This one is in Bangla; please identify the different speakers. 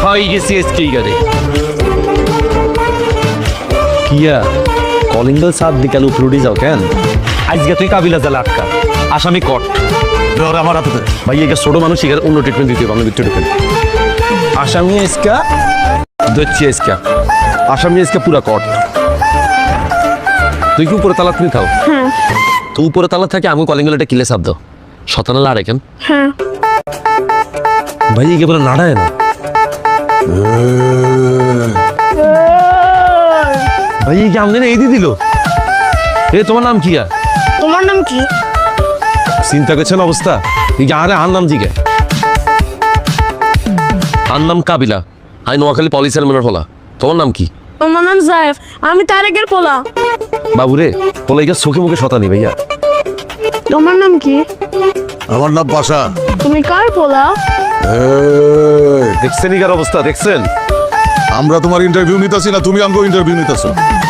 Speaker 1: খাই গেছি এসকেই গারে কিয়া কলিং বেল সাত দিকাল উপলুটি যাও কেন আজকে তুই কাবিলা জালে আটকা আসামি কট ধর আমার হাতে ভাই একে ছোট মানুষ এখানে অন্য ট্রিটমেন্ট দিতে হবে আমি ভিতরে ঢুকেন আসামি এসকা দচ্ছি এসকা আসামি এসকা পুরা কট তুই কি উপরে তালা তুমি থাও তুই উপরে তালা থাকে আমি কলিং বেল একটা কিলে সাপ দাও শতানা লাড়ে কেন ভাই একে বলে নাড়ায় না ভাই কি আমনে এই দিয়ে দিল এ তোমার নাম কি
Speaker 2: তোমার নাম কি?
Speaker 1: চিন্তা করছেন অবস্থা এই আরে আর নাম জিগে আর নাম কাবিলা আই নোয়াখালী পলিসের মনের ফলা তোমার নাম কি?
Speaker 2: তোমার নাম জায়েফ, আমি তারেকের পোলা।
Speaker 1: বাবুরে পোলাইকা চোখে মুখে শতানি ভাইয়া
Speaker 2: তোমার নাম কি?
Speaker 3: আমার নাম পাশা।
Speaker 2: তুমি কার পোলা?
Speaker 1: দেখছেন ইগার অবস্থা দেখছেন
Speaker 3: আমরা তোমার ইন্টারভিউ নিতেছি না, তুমি আমাকে ইন্টারভিউ নিতেছো।